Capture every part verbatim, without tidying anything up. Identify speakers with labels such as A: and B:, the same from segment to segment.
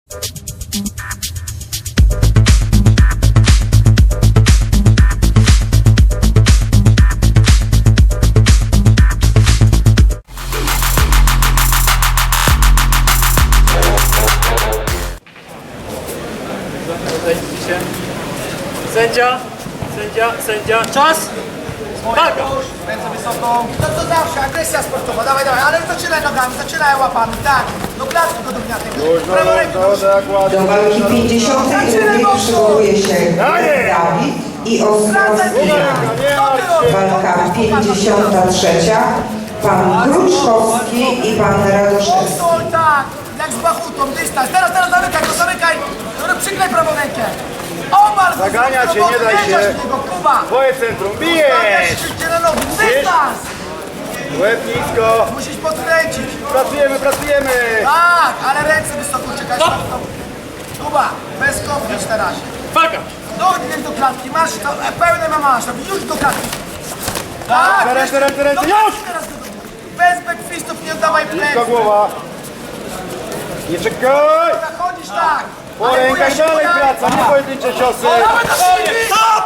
A: Sędzia, sędzia, sędzia, czas! Uwaga!
B: Ręce wysoko. To co zawsze, agresja sportowa, dawaj, dawaj, ale zaczynaj nogami, zaczynaj łapami, tak. Do klatki go downiatek. Prawo ręką.
C: Do walki pięćdziesiątej drugiej przygotuje się Dawid i Ostrowski. Walka pięćdziesiąta trzecia pan Kruczkowski i pan Radoszewski.
B: Postoj, tak, jak z bachutą, dystans. Teraz, teraz zamykaj go, zamykaj. Dobra, przyklej prawą rękę. Omal!
D: Zagania cię, nie daj się.
B: Kuba!
D: Twoje centrum, bijesz!
B: Szybciej na nogi, dystans!
D: Łeb nisko.
B: Musisz podkręcić.
D: Pracujemy, pracujemy.
B: Tak, ale ręce wysoko, czekaj.
A: Stop.
B: Kuba, bez kopnięć teraz.
A: Uwaga!
B: Nogi do klatki, masz to, e, pełne ma masz, już do klatki. Tak,
D: Ręce, ręce, ręce,
B: do
D: już!
B: klatki teraz go do- Bez backfistów nie oddawaj
D: Nisko
B: pleców.
D: głowa. Nie czekaj.
B: Zachodzisz tak.
D: Po ręka szalej praca, nie pojedyncze ciosy.
B: Dawaj na siebie! Stop!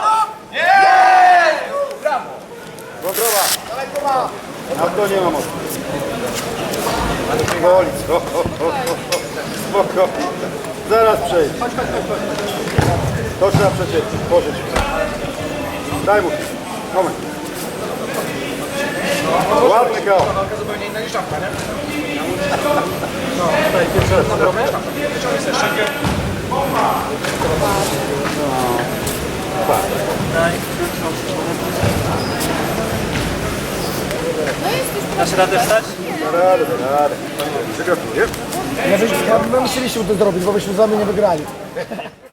D: Wątroba.
B: Dawaj Kuba.
D: Na to nie ma mocy. Ale boli, co? Spoko. Zaraz przejdź. To trzeba przecieć. Pożyć. Daj mu. Moment. Ładny koło.
E: Zupełnie inna niż czapka, nie?
D: No, tutaj pierwszy raz.
A: Dasz radę wstać?
D: Da radę, da radę. Przygotujesz?
B: My musieliśmy to zrobić, bo byśmy z wami nie wygrali.